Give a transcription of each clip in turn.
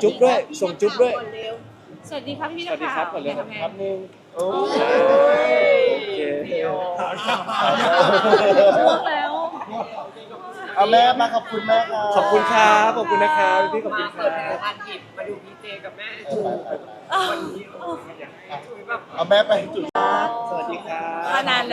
จุ๊บด้วยส่งจุ๊บด้วยสวัสดีครับพี่สนัวักสดีข่าวครับก่อนเลยทำไงครับหนึ่งโอเคล่วงแล้วเอาแม่มาขอบคุณแม่ครับขอบคุณครับขอบคุณนะครับพี่ขอบคุณมาคเปิรัดผลิตบภัณฑ์ผิดมาดูพีเจกับแม่ วันนี้แบบเอาแม่ไปจุดสวัสดีครับนาน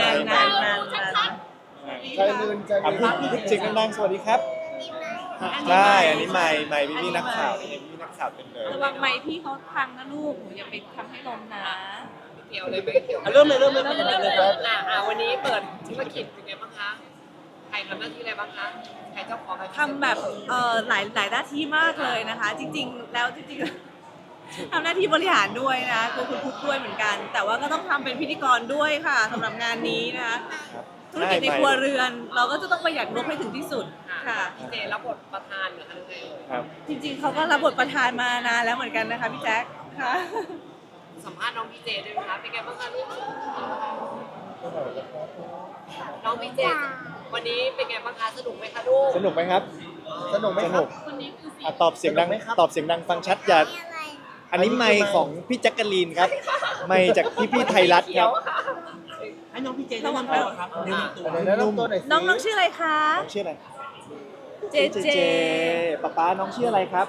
ใจลื่นใจอ่ะลื่นพูดจริงดังๆสวัสดีครับใช่อันนี้ไม่พี่นักข่าวนี่พี่นักข่าวเป็นเลยระวังไม้พี่เขาพังนะลูกหนูอย่าไปทำให้ล้มนะเกี่ยวเลยไม่เกี่ยวเริ่มเลยวันนี้เปิดธุรกิจเป็นไงบ้างคะใครทำหน้าที่อะไรบ้างคะใครเจ้าของใครทำแบบหลายหน้าที่มากเลยนะคะ จริงๆแล้วทำหน้าที่บริหารด้วยนะคือคุณพุทธด้วยเหมือนกัน แต่ว่าก็ต้องทำเป็นพิธีกรด้วยค่ะสำหรับงานนี้นะคะธุรกิจในครัวเรือน เราก็จะต้องประหยัดงบให้ถึงที่สุดค่ะพีเจรับบทประธานหรืออะไรไงครับจริงๆเขาก็รับบทประธานมานานแล้วเหมือนกันนะคะพี่แจ๊คค่ะสัมภาษณ์น้องพีเจด้วยนะคะเป็นไงบ้างคะลูกน้องพีเจวันนี้เป็นไงบ้างคะสนุกไหมคะลูกสนุกไหมครับสนุกไหมสครันุบกอ่ะตอบเสียงดังตอบเสียงดังฟังชัดอย่าอันนี้ไมค์ของพี่แจ็คกะลีนครับไมค์จากพี่ไทยรัฐครับให้น้องพี่เจแนะนำตัวครับแนะนำตัวไหนแนะนำตัวหน่อยสิน้องชื่ออะไรคะน้องชื่ออะไรเจเจป๊าน้องชื่ออะไรครับ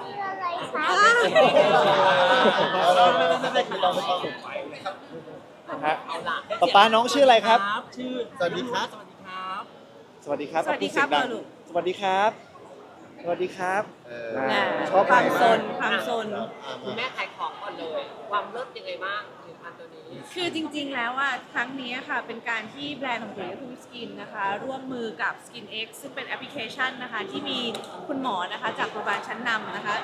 ไม่คือเราไม่ต้องฮะป๊าน้องชื่ออะไรครับชื่อสวัสดีครับสวัสดีครับสวัสดีครับสวัสดีครับพูเสียงดังลูกสวัสดีครับ สวัสดีครับน่ะชอบความไหมซนความซนคุณแม่ขายของก่อนเลย ความเลิศยังไงบ้างผลิตภัณฑ์ตัวนี้คือจริงๆ แล้วอ่ะครั้งนี้ค่ะเป็นการที่แบรนด์ของปุ๋ยและคุณสกินนะคะร่วมมือกับ Skin X ซึ่งเป็นแอปพลิเคชันนะคะที่มีคุณหมอนะคะจากโรงพยาบาลชั้นนำนะคะ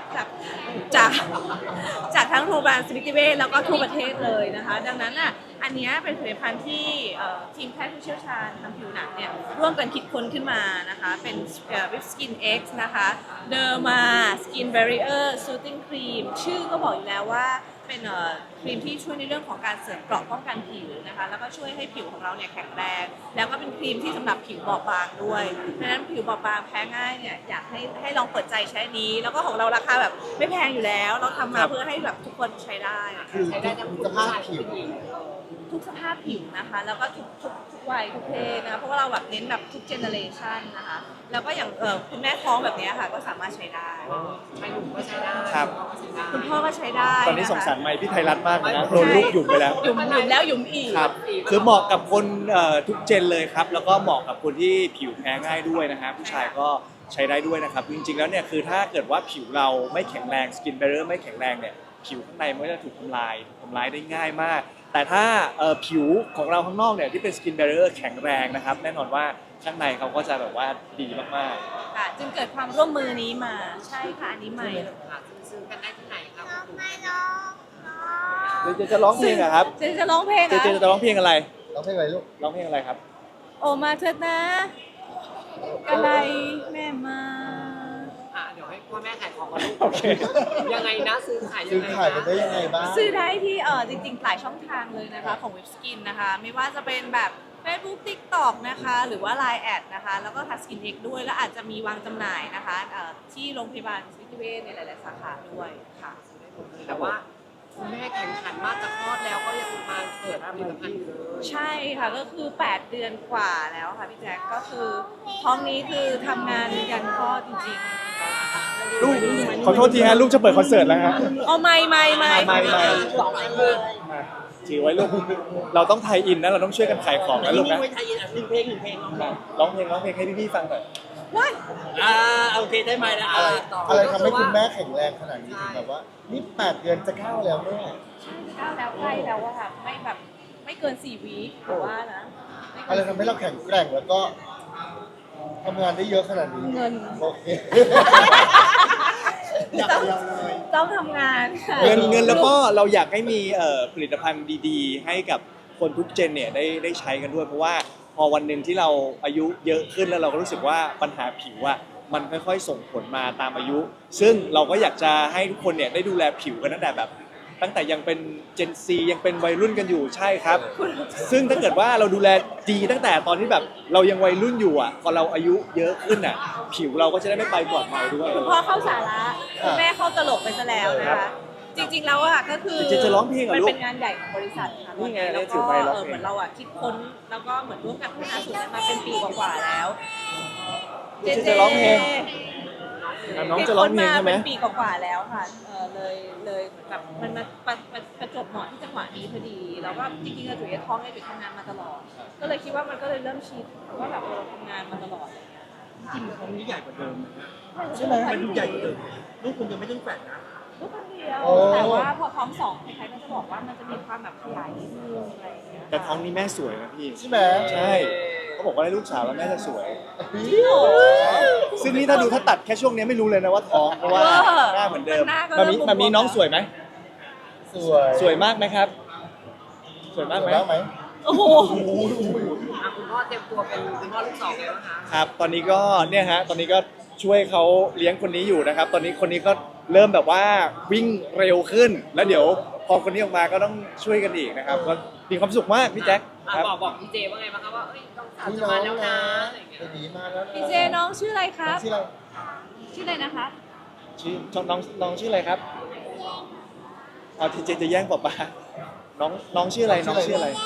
จากทั้งโรงพยาบาลสมิติเวชแล้วก็ทั่วประเทศเลยนะคะ ดังนั้นอ่ะอันเนี้ยเป็นผลิตภัณฑ์ที่ทีมแพทย์ผู้เชี่ยวชาญทางผิวหนังเนี่ยร่วมกันคิดค้นขึ้นมานะคะเป็นวิปสกิน X นะคะเดอร์มาสกิน Barrier Soothing Cream ชื่อก็บอกอยู่แล้วว่าเป็นครีมที่ช่วยในเรื่องของการเสริมเกราะป้องกันผิวนะคะแล้วก็ช่วยให้ผิวของเราเนี่ยแข็งแรงแล้วก็เป็นครีมที่สำหรับผิวบอบบางด้วยดังนั้นผิวบอบบางแพ้ง่ายเนี่ยอยากให้ลองเปิดใจใช้นี้ แล้วก็ของเราราคาแบบไม่แพงอยู่แล้ว เราทำมาเพื่อให้แบบทุกคนใช้ได้คือใช้ได้ทั้งสภาพผิวทุกสภาพผิวนะคะแล้วก็ทุกวัยทุกเพศนะคะเพราะว่าเราแบบเน้นแบบทุกเจเนอเรชันนะคะแล้วก็อย่างคุณแม่ท้องแบบเนี้ยค่ะก็สามารถใช้ได้ใช้หนุ่มก็ใช้ได้ครับคุณพ่อก็ใช้ได้ตอนนี้สงสารไมค์พี่ไทยรัฐมากเลยนะโดนลูกหยุ่มไปแล้วหยุมแล้วหยุมอีกครับ คือเหมาะกับคนทุกเจนเลยครับ แล้วก็เหมาะกับคนที่ผิวแพ้ง่ายด้วยนะฮะผู้ชายก็ใช้ได้ด้วยนะครับ จริงๆแล้วเนี่ยคือถ้าเกิดว่าผิวเราไม่แข็งแรงสกินแบรเ r อร์ไม่แข็งแรงเนี่ยผิวข้างในมันก็จะถูกทำลายได้ง่ายมาก แต่ถ้าผิวของเราข้างนอกเนี่ยที่เป็นสกินแบรเ r อร์แข็งแรงนะครับแน่นอนว่าข้างในเขาก็จะแบบว่าดีมากค่ะจึงเกิดความร่วมมือนี้มาใช่ค่ะอันนี้ใหม่ค่ะซื้อกันได้ที่ไหนครับๆเจจะร้องเพลงอะครับเจจะร้องเพลงเจอ่ะจะร้องเพลงอะไรเราให้อะไรลูกร้องเพลงอะไรครับโอมาเถิดนะอะไรแม่มาเดี๋ยวให้พ่อแม่ขายของกันลูกโอเคยังไงนะซื้อขายยัซื้งอไงขายกันได้ยังไงบ้างซื้อได้ที่จริงๆหลายช่องทางเลยนะคะของเว็บสกินนะคะไม่ว่าจะเป็นแบบ Facebook TikTok นะคะหรือว่า Line แอดนะคะแล้วก็ทัสกินเอ็กด้วยแล้วอาจจะมีวางจำหน่ายนะคะที่โรงพยาบาลสมิติเวชในหลายๆสาขาด้วยค่ะแต่ว่าคุณแม่แข่งขันมากจะคลอดแล้วก็ยังมาเปิดผลิตภัณฑ์อยู่เลยใช่ค่ะก็คือ 8 เดือนกว่าแล้วค่ะพี่แจ๊คก็คือท้องนี้คือทำงานยันคลอดจริงๆลูกขอโทษทีฮะลูกจะเปิดคอนเสิร์ตแล้วฮะอ๋อไม่ไม่สองอันเลยอ่ะถือไว้ลูก เราต้องไทยอินนะเราต้องช่วยกันขายของนะลูกนี่นะไว้ไทยอินหนึ่งเพลงร้องเพลงให้พี่ๆฟังหน่อยว้ายโอเคได้ไหมนะอะไรทำให้คุณแม่แข็งแรงขนาดนี้ถึงแบบว่านี่8 เดือนจะ9แล้วแม่ใช่ก้าวแล้วใกล้แล้วอะค่ะไม่แบบไม่เกิน4 วีคหรือว่านะม่อะไรเกินทำให้เราแข็งแกร่งแล้วก็ทำงานได้เยอะขนาดนี้เงินโอเคอยากยาวเลยต้องทำงานค่ะเงินแล้วก็เราอยากให้มีผลิตภัณฑ์ดีๆ ให้กับคนทุกเจนเนี่ยได้ใช้กันด้วย เพราะว่าพอวันหนึ่งที่เราอายุเยอะขึ้นแล้วเราก็รู้สึกว่าปัญหาผิวอะมันค่อยๆส่งผลมาตามอายุ ซึ่งเราก็อยากจะให้ทุกคนเนี่ยได้ดูแลผิวกันตั้งแต่แบบตั้งแต่ยังเป็นเจนซียังเป็นวัยรุ่นกันอยู่ใช่ครับ ซึ่งถ้าเกิดว่าเราดูแลดีตั้งแต่ตอนที่แบบเรายังวัยรุ่นอยู่อ่ะพอเราอายุเยอะขึ้นอ่ะ ผิวเราก็จะได้ไม่ไปปลอดภัยด้วยคุณพ่อเข้าสาระคุณแม่เข้าตลกไปซะแล้วนะครัคะบจริงๆแล้วอะก็คือจริงๆจะร้องเพลงเหรอมันลูกเป็นงานใหญ่ของบริษัทค่ะนี่ไงแล้วถืก็อไมค์ร้องเพลงเหมือนเราอะคิดค้นแล้วก็เหมือนร่วมกันพัฒนาสูตรนี้มาเป็นปีกว่าๆแล้วจะร้องเพลง อ่ะน้องจะร้องเพลงใช่ไหมคิดค้นาเป็นปีกว่าๆแล้วค่ะเลยเหมือนแบบมันมาประจวบเหมาะที่จังหวะนี้พอดีแล้วก็จริงๆเราจุ๋ยท้องเนี่ยจุ๋ยทำงานมาตลอด ก็เลยคิดว่ามันก็เลยเริ่มชินว่าแบบเราทำงานมาตลอดจริงๆท้องนี้ใหญ่กว่าเดิมนะใช่ไหมมันดูใหญ่กว่าเดิมลูกคุณยังไม่ต้องแฝดนะลูกคนเดียวโอ้แต่ว่าพอท้องสองใครๆก็จะบอกว่ามันจะมีความแบบขยายนิดนึงอะไรอย่างเงี้ยแต่ท้องนี้แม่สวยนะพี่ใช่ไหมใช่เขาบอกว่าได้ลูกสาวแล้วแม่จะสวยจริงเหรอซึ่งนี่ถ้าดูถ้าตัดแค่ช่วงนี้ไม่รู้เลยนะว่าท้องเพราะว่าหน้าเหมือนเดิมหน้าก็มาเริ่มีมบวมๆมามีน้องสวยไหมสวยสวยมากไหมครับ สวยมากไหมบ้างไหมโอ้โหอ่ะคุณพ่อเตรียมตัวเป็นคุณพ่อลูกสองแล้วนะคะครับ ตอนนี้ก็เนี่ยฮะตอนนี้ก็ช่วยเขาเลี้ยงคนนี้อยู่นะครับ ตอนนี้คนนี้ก็เริ่มแบบว่าวิ่งเร็วขึ้น แล้วเดี๋ยวพอคนนี้ออกมาก็ต้องช่วยกันอีกนะครับก็มีความสุขมากพี่แจ็คอ่ะครับบอกพี่เจว่าไงบ้างคะว่าเอ้ยต้องสาวนี่จะน้อมาง แล้วนะนะอะไรอย่างเงี้ยไปดีมาแล้วนะพี่เจน้องชื่ออะไรครับชื่ออะไรชื่ออะไรนะคะชื่อน้องชื่ออะไรครับเอาทีเจจะแย่งป๊าป๊าน้องชื่ออะไรน้องชื่ออะไร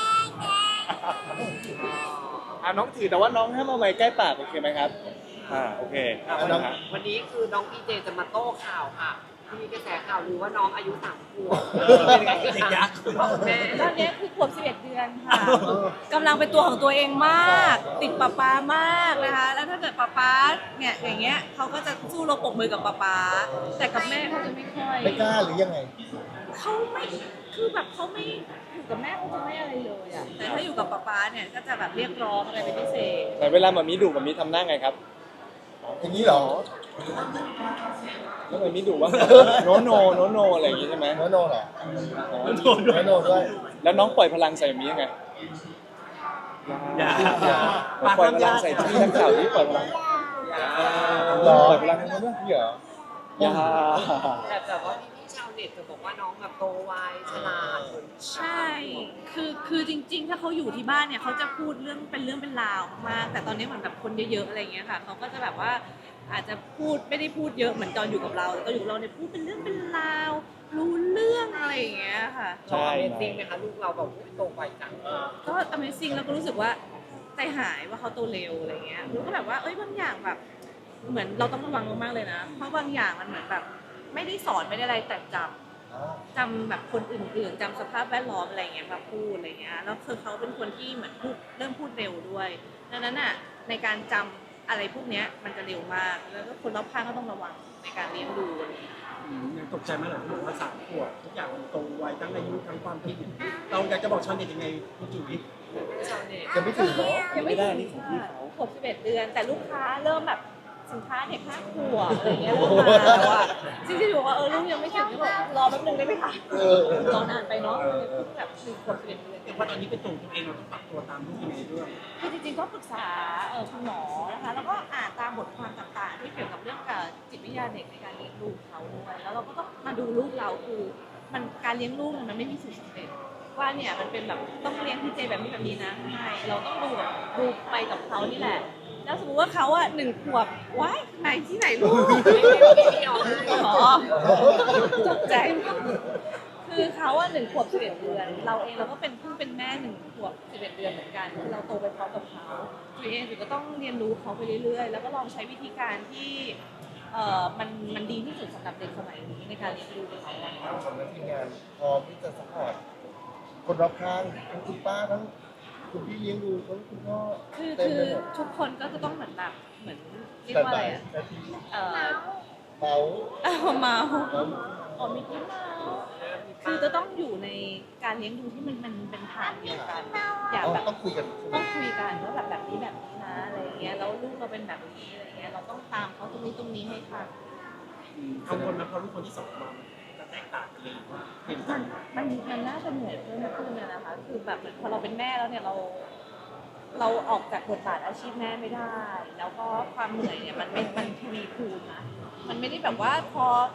น้องถือแต่ว่าน้องห้ามเอาไม้ใกล้ปากโอเคไหมครับโอเคอ่ะเอาวันนะนี้ครับวันนี้คือน้องพี่เจจะมาโต้ข่าวค่ะที่มีกระแสข่าวลือว่าน้องอายุ3 ขวบเป็นไงเด็กยักษ์คุณพ่อคุณแม่ตอนนี้คือขวบ11 เดือนค่ะกำลังเป็นตัวของตัวเองมาก ติดป๊าป๊ามากนะคะ แล้วถ้าเกิดป๊าป๊าเนี่ยอย่างเงี้ยเขาก็จะสู้รบปรบมือกับป๊าป๊าแต่กับแม่เขาจะไม่ค่อยไม่กล้าหรือยังไงเขาไม่คือแบบเขาไม่อยู่กับแม่เขาจะไม่อะไรเลยอ่ะแต่ถ้าอยู่กับป๊าป๊าเนี่ยก็จะแบบเรียกร้องอะไรเป็นพิเศษแต่เวลาหมามีดุหมามีทำหน้าไงครับอย่างนี้เหรอแล้วหมามีดุว่าโนโนอะไรอย่างงี้ใช่ไหมโนโนเหรออ๋อโนโนด้วยแล้วน้องปล่อยพลังใส่หมามียังไงอย่าปล่อยพลังใส่ที่นักข่าวที่ปล่อยพลังหรอปล่อยพลังให้มันด้วยนี่เหรออย่าแต่ว่าพี่ชาวเน็ตจะบอกว่าน้องแบบโตไวฉลาดเหมือนใช่ คือจริงๆ ถ้าเขาอยู่ที่บ้านเนี่ยเขาจะพูดเรื่องเป็นราวมากแต่ตอนนี้เหมือนแบบคนเยอะๆ อะไรอย่างเงี้ยค่ะเขาก็จะแบบว่าอาจจะพูดไม่ได้พูดเยอะเหมือนตอนอยู่กับเราแต่ตอนอยู่กับเราเนี่ยพูดเป็นเรื่องเป็นราว รู้เรื่องอะไรอย่างเงี้ยค่ะใช่เป็นจริงไหมคะลูกเราแบบอุ๊ยโตไวจังก็ Amazing แล้วก็รู้สึกว่าใจหายว่าเขาโตเร็วอะไรเงี้ยรู้ก็แบบว่าเอ้ยบางอย่างแบบ เหมือนเราต้องระวังมากๆเลยนะ เพราะบางอย่างมันเหมือนแบบไม่ได้สอนไม่ได้อะไรแต่จำแบบคนอื่นๆจำสภาพแวดล้อมอะไรเงี้ยมาพูดอะไรเงี้ยแล้วคือเขาเป็นคนที่เหมือนพูดเริ่มพูดเร็วด้วยดังนั้นอ่ะในการจำอะไรพวกเนี้ยมันจะเร็วมากแล้วก็คนรอบข้างก็ต้องระวังในการเลี้ยงดูอะไรเงี้ยยังตกใจไหมเหรอที่บอกว่า3 ขวบทุกอย่างมันโตไวทั้งอายุทั้งความคิดเราอยากจะบอกชาวเน็ตยังไงคุณจุ๋ยชาวเน็ตจะไม่ถึงเหรอยังไม่ได้นี่ของพี่เขาขวบ11 เดือน แต่ลูกค้าเริ่มแบบสินค้าเด็ก5 ขวบอะไรเงี้ยเริ่มมาแล้วอ่ะจริงๆบอกว่าลูกยังไม่ถึงก็บอกรอแป๊บนึงได้ไหมคะเออรอนานไปเนาะเลยเพิ่งแบบ1 ขวบ 11 เดือนแต่ว่าตอนนี้เป็นตัวเองเราต้องปรับตัวตามลูกยังไงด้วยคือจริงๆก็ปรึกษาคุณหมอนะคะ แล้วก็อ่านตามบทความต่างๆ ที่เกี่ยวกับเรื่องกับจิตวิทยาเด็กในการเลี้ยงลูกเขาด้วยแล้วเราก็ต้องมาดูลูกเราคือมันการเลี้ยงลูกมันไม่มีสูตรสำเร็จว่าเนี่ยมันเป็นแบบต้องเลี้ยงพี่เจแบบนี้แบบนี้นะไม่เราต้องดูไปกับเขานี่แหละ แล้วสมมติว่าเขาอ่ะ1 ขวบว้ายไหนที่ไหนลูกไม่ออกเลยอ๋อตกใจ คือเขาอ่ะ1 ขวบ 11 เดือน เราเองเราก็เป็นเพิ่งเป็นแม่1 ขวบ 11 เดือนเหมือนกันคือเราโตไปพร้อมกับเขาตัวเองก็ต้องเรียนรู้เขาไปเรื่อยๆ แล้วก็ลองใช้วิธีการที่มันดีที่สุดสำหรับเด็กสมัยนี้ในการเลี้ยงดูเขาอะทำหน้าที่งานพร้อมที่จะสปอร์ตคนรอบข้างทั้งคุณป้าทั้งคุณพี่เลี้ยงดูทั้งคุณพ่อคือเต็มไปหมดทุกคนก็จะต้องเหมือนแบบเหมือนเรียกแต่ว่าอะบ่าไรยอ่ะนาทีเอ่อเมาเมาอ๋อมิกกี้เมาส์คือจะต้องอยู่ในการเลี้ยงดูที่มันเป็นทางเดียวกัน อย่าแบบต้องคุยกันต้องคุยกันว่าแบบนี้แบบนี้นะอะไรอย่างเงี้ยแล้วลูกเราเป็นแบบนี้อะไรอย่างเงี้ยเราต้องตามเขาตรงนี้ให้ทันกังวลไหมเพราะลูกคนที่2มาจะแตกต่างกันเลยว่าเปลี่ยนกันมันน่าจะเหนื่อยเพิ่มขึ้นนะคะ คือแบบเหมือนพอเราเป็นแม่แล้วเนี่ยเราออกจากบทบาทอาชีพแม่ไม่ได้ แล้วก็ความเหนื่อยเนี่ยมันทวีคูณนะมันไม่ได้แบบว่าพอ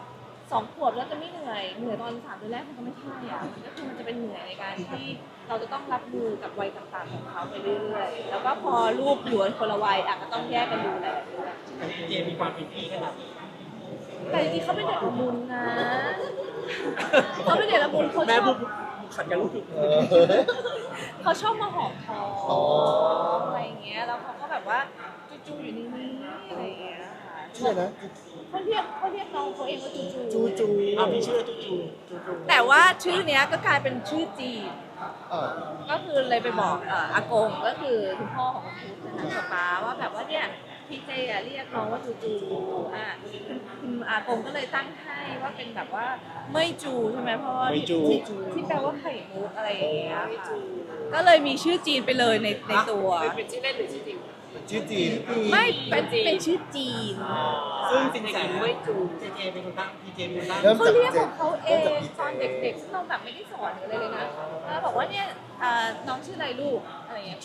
2 ขวบแล้วจะไม่เหนื่อยตอน3 เดือนแรกมันก็ไม่ใช่อ่ะมันก็คือมันจะเป็นเหนื่อยในการที่เราจะต้องรับมือกับวัยต่างๆของเขาไปเรื่อยๆแล้วก็พอลูกอยู่คนละวัยอ่ะก็ต้องแยกกันดูแลด้วยแต่เจมีความเป็นพี่ขนาดไหนแต่จริงๆเขาเป็นเด็กละมุนนะเขาเป็นเด็กละมุนเขาแม่ชอพูบดขัดกันลูกเออเขาชอบมาหอมคออ๋ออะไรอย่างเงี้ยแล้วเขาก็แบบว่าจูๆอยู่นิ่งๆอะไรอย่างเงี้ยค่ะชื่อนะเขาเรียกน้องเขาเองว่าจูจูจูเอาพี่ชื่อจูจูแต่ว่าชื่อเนี้ยก็กลายเป็นชื่อจีนอ่าก็คือเลยไปบอกอากงก็คือคุณพ่อของคุณพุทธนะคะกับป้าว่าแบบว่าเนี่ยพี่เจอะเรียกน้องว่าจูอ่ะคุณอากงก็เลยตั้งให้ว่าเป็นแบบว่าไม่จูใช่ไหมเพราะว่าไม่จูที่แปลว่าไข่มุกอะไรอย่างเงี้ยค่ะก็เลยมีชื่อจีนไปเลยในตัวเป็นชื่อเล่นหรือชื่อจริงชื่อจีนไม่เป็นชื่อจีนซึ่งจริงเด็กใจหญิงไม่จูเจเป็นคนตั้งพี่เจเป็นคนตั้งเริ่มเขาจากเรียกเจของเขาเอเริ่มงจากพี่ตอนเด็กๆซึ่งเราแบบไม่ได้สอนหรืออะไรเลยนะบอกว่าเนี่ยน้องชื่ออะไรลูกอะไรอย่างเงี้ย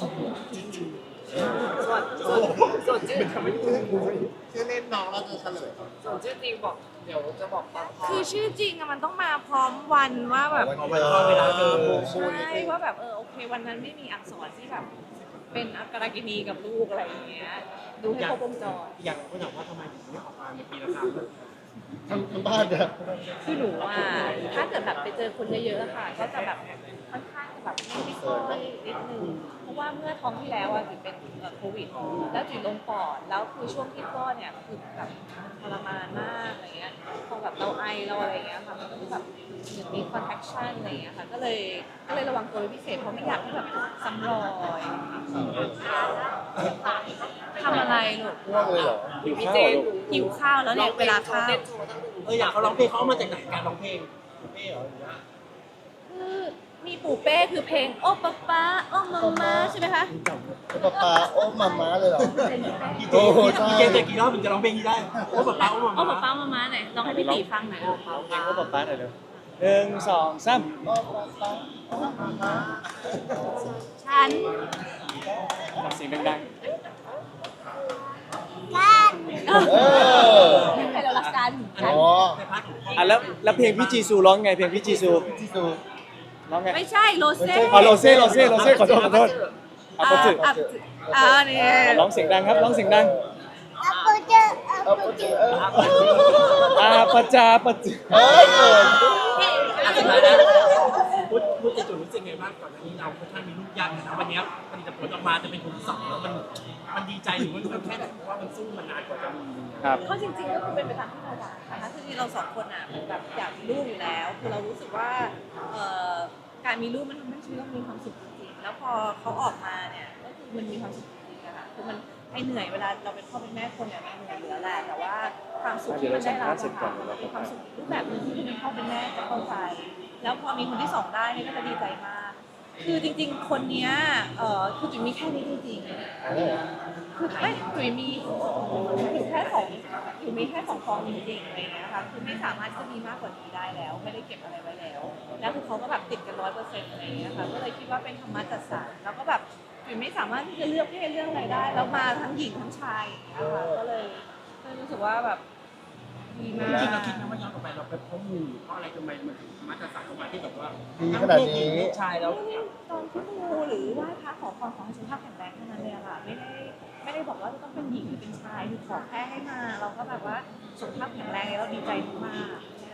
ส่วนชื่อชื่อเล่นน้องเราจะเฉลยส่วนชื่อจริงบอกเดี๋ยวจะบอกตอนพ่อคือชื่อจริงอะมันต้องมาพร้อมวันว่าแบบวันเวลาเจอใช่ว่าแบบโอเควันนั้นไม่มีอักษรที่แบบเป็นอักขระกินีกับลูกอะไรอย่างเงี้ยดูให้ครบวงจรอยากรู้ว่าทำไมถึงไม่ออกมาในปีละครั้งทั้งบ้านเนี่ยคือหนูว่าถ้าเกิดแบบไปเจอคนเยอะๆอะค่ะ ก็จะแบบค่อนข้างจะแบบไม่ค่อยนิดนึงเพราะว่าเมื่อท้องที่แล้วอะจุ๋ยเป็นโควิดแล้วจุ๋ยลงปอดแล้วคือช่วงที่คลอดเนี่ยคือแบบทรมานมากอะไรเงี้ยพอแบบเราไอเราอะไรเงี้ยค่ะมันก็คือแบบเหมือนมี contraction อะไรเงี้ยค่ะก็เลยระวังตัวเป็นพิเศษเพราะไม่อยากให้แบบซ้ำรอยทำอะไรลูกง่วงเลยเหรอหิวพี่ข้าเจวเหรอลูกหิวข้าวแล้วเนี่ยเวลาข้าวเต้นโชว์ตั้งหนึ่งอยากเขาร้องเพลงเขาเอามาจากไหนการร้องเพลงเป้เหรอหรือว่าคือมีปู่เป้คือเพลงโอ้ป๊าป๊าโอ้มาม่าใช่ไหมคะป๊าป๊าโอ้มาม่าเลยเหรอพี่เจโอ้โหใช่พี่เจแต่กี่รอบถึงจะร้องเพลงนี้ได้โอ้แบบป้าโอ้มาโอ้ป๊าป๊ามามาม่าไหนลองให้พี่ตีฟังหน่อยเอาเพลงว่าป๊าป๊าหน่อยเร็ว1 2 3 โอ้ป๊าป๊าโอ้มาม่าฉันทำเสียงดังเออให้เรารักกันอ๋อในพาร์ทของๆอ่ะแล้วเพลงพี่จีซูร้องไงเพลงพี่จีซูที่ซูร้องไงไม่ใช่โรเซ่อ๋อโรเซ่ขอโทษอ่ะปะจืดเนี่ยร้องเสียงดังครับร้องเสียงดังเอาไปเจอปะจาปะจืดเอ้ยเกินพูดจะจุดรู้สึกไงบ้างก่อนหน้านี้เราค่อนข้างมีลูกยากนะวันนี้ผลิตผลออกมาจะเป็นคนที่สองแล้วมันดีใจหรือมันแค่ไหนเพราะว่ามันสู้มานานกว่าจะมีครับก็จริงๆก็คือเป็นไปตามที่เราหวังนะคะคือเราสองคนอ่ะเหมือนแบบอยากมีลูกอยู่แล้ว คือเรารู้สึกว่าการมีลูกมันทำให้ชีวิตเรามีความสุขจริงๆแล้วพอเขาออกมาเนี่ยก็คือมันมีความสุขจริงๆนะคะคือมันไอเหนื่อยเวลาเราเป็นพ่อเป็นแม่คนเนี่ยมันเหนื่อยอยู่แล้วแหละแต่ว่าความสุขที่มันได้รับนะคะมันเป็นความสุขรูปแบบหนึงที่เป็นพ่อเป็นแม่จะเข้าใจแล้วพอมีคนที่สองได้เนี่ยก็จะดีใจมาก คือจริงๆ คนเนี้ยคือจุ๋ยมีแค่นี้จริงๆ คือไม่จุ๋ยมีอยู่แค่สองจุ๋ยมีแค่2 ฟองจริงๆอะไรอย่างเงี้ยค่ะ คือไม่สามารถจะมีมากกว่านี้ได้แล้ว ไม่ได้เก็บอะไรไว้แล้ว แล้วคือเขาก็แบบติดกัน100%อะไรอย่างเงี้ยค่ะ ก็เลยคิดว่าเป็นธรรมะจัดสรรแล้วก็แบบจุ๋ยไม่สามารถที่จะเลือกเพศเรื่องอะไรได้ แล้วมาทั้งหญิงทั้งชายอย่างเงี้ยค่ะ ก็เลยรู้สึกว่าแบบดีมาจริงๆเรากคิดนะว่าย้อนกลับไปเราไปเพราะมูเพราะอะไรทำไมมันถึงมาตรฐานออกมาที่แบบว่าดีขนาดนี้ลูกชายแล้วตอนที่มูหรือไหว้พระขอพรขอให้สุขภาพแข็งแรงเท่านั้นเลยอะค่ะไม่ได้บอกว่าจะต้องเป็นหญิงหรือเป็นชายคือขอแค่ให้มา เราก็แบบว่าสุขภาพแข็งแรงแล้วเราดีใจมาก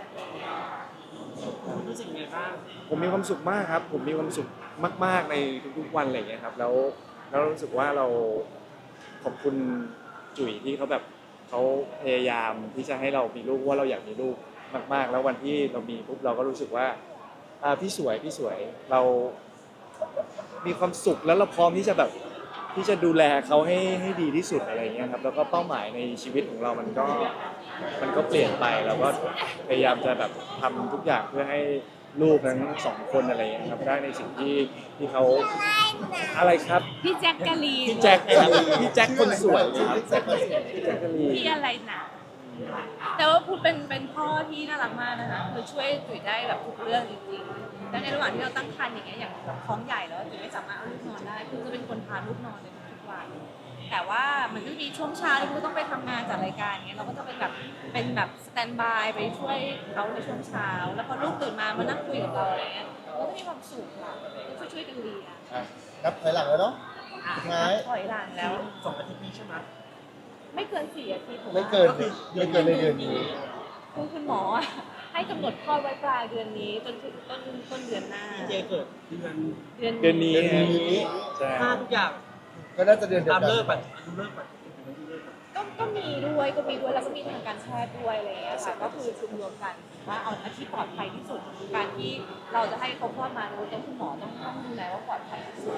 รู้สึกไงบ้างผมมีความสุขมากครับ ผมมีความสุขมากๆในทุกๆวันอะไรอย่างเงี้ยครับแล้วรู้สึกว่าเราขอบคุณจุ๋ยที่เขาแบบเขาพยายามที่จะให้เรามีลูกว่าเราอยากมีลูกมากๆ แล้ววันที่เรามีปุ๊บเราก็รู้สึกว่าพี่สวยเรามีความสุขแล้วเราพร้อมที่จะแบบที่จะดูแลเขาให้ดีที่สุดอะไรอย่างเงี้ยครับแล้วก็เป้าหมายในชีวิตของเรามันก็เปลี่ยนไปเราก็พยายามจะแบบทำทุกอย่างเพื่อให้ลูกทั้ง2 คนอะไรอย่างเงี้ยครับได้ในสิ่งที่เขาอะไรครับๆพี่แจ็คกะลีนพี่แจ็คครับพี่แจ็คคนสวยครับพี่แจ็คกะลีนพี่อะไรหนาแต่ว่าพูดเป็นพ่อที่น่ารักมากนะคะคือช่วยจุ๋ยได้แบบทุกเรื่องจริงๆแล้วในระหว่างที่เราตั้งครรภ์อย่างเงี้ยอย่างแบบท้องใหญ่แล้วจุ๋ยไม่สามารถเอาลูกนอนได้คือจะเป็นคนพาลูกนอนเลยทุกวัน แต่ว่ามันก็จะมีช่วงเช้าที่เราต้องไปทำงานจัดรายการเงี้ยเราก็จะเป็นแบบสแตนบายไปช่วยเขาในช่วงเช้า แล้วพอลูกตื่นมานั่งคุยกับเราอะไรเงี้ยเราก็มีความสุขค่ะช่วยกันเรียนอ่ะนับถอยหลังแล้วเนาะสุดท้ายถอยหลังแล้ว 2 อาทิตย์นี้ใช่ไหมไม่เกิน4 อาทิตย์ไม่เกินในเดือนนี้คุณหมอให้กำหนดคลอดไว้ปลายเดือนนี้จนถึงต้นเดือนหน้าเจเกิดเดือนเดือนนี้เดือนนี้ใช่ห้าทุกอย่างก็น่าจะเดือนเดียวตามกันเลิกก่อนดูเลิกก่อนก็มีด้วยแล้วก็มีทางการแพทย์ด้วยอะไรอย่างเงี้ยค่ะก็คือรวมกันว่าเอาที่ปลอดภัยที่สุดการที่เราจะให้เขาคลอดมาโดยต้องคุณหมอต้องดูแลว่าปลอดภัยที่สุด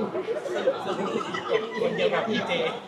คนเดียวกับพี่เจ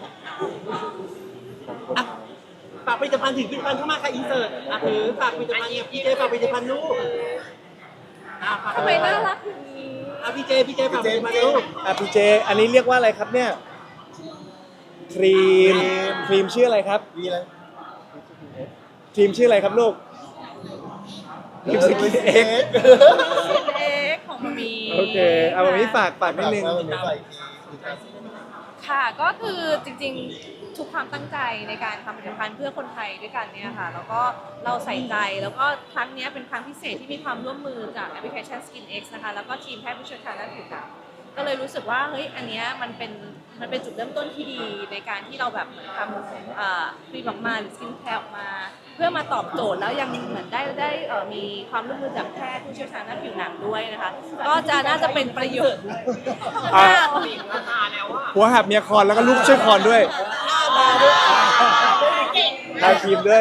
อ่ะฝากผลิตภัณฑ์ถึงผลิตภัณฑ์เข้ามาค่ะอินเสิร์ตอ่ะถือฝากผลิตภัณฑ์เนี่ยพี่เจฝากผลิตภัณฑ์ลูกฝากทำไมน่ารักอย่างนี้พี่เจฝากผลิตภัณฑ์ลูกพี่เจอันนี้เรียกว่าอะไรครับเนี่ยครีมชื่ออะไรครับมีอะไรครีมชื่ออะไรครับลูกครีมสกินเอ็กเอ็กของมามีโอเคเอาวันนี้ฝากนิดนึงวันนี้ใส่ค่ะก็คือจริงๆทุกความตั้งใจในการทำผลิตภัณฑ์เพื่อคนไทยด้วยกันเนี่ยค่ะแล้วก็เราใส่ใจแล้วก็ครั้งนี้เป็นครั้งพิเศษที่มีความร่วมมือจากแอปพลิเคชัน Skin X นะคะแล้วก็ทีมแพทย์ผู้เชี่ยวชาญด้านผิวหนังก็เลยรู้สึกว่าเฮ้ยอันเนี้ยมันเป็นจุดเริ่มต้นที่ดีในการที่เราแบบเหมือนทำครีมออกมาหรือสกินแคร์ออกมา เพื่อมาตอบโจทย์แล้วยังเหมือนได้มีความร่วมมือจากแพทย์ผู้เชี่ยวชาญด้านผิวหนังด้วยนะคะก็จะน่าจะเป็นประโยชน์อ่ะราคาแล้วอ่ะหัวหับเมียคอนแล้วก็ลูกช่วยคอนด้วยทาครีมด้วย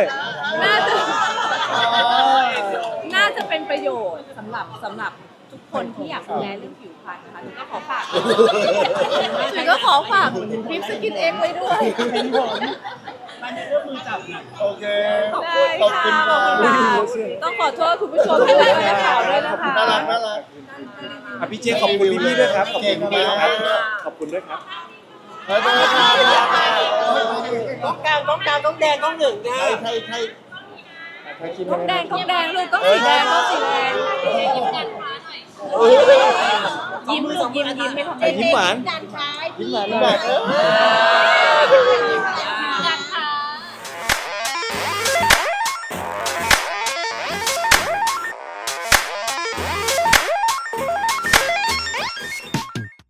น่าจะเป็นประโยชน์สำหรับทุกคนที่อยากดูแลเรื่องผิวพรรณนะคะถึงก็ขอฝากคลิปสกินเอ็กไว้ด้วยมันจะเริ่มมือจับนะโอเคได้ขอบค่ะคุณขอบค่ะคุณค่ะต้องขอโทษคุณผู้ชมที่ไลฟ์นักข่าวด้วยนะคะน่ารักพี่เจขอบคุณพี่ๆด้วยครับขอบคุณพี่ๆครับขอบคุณด้วยครับขอบคุณค่ะต้องแดงต้องหนึ่งนะไทยต้องแดงลูกต้องสีแดงยิ้มลูกยิ้มไม่ทำยิ้มหวานพี่หวาน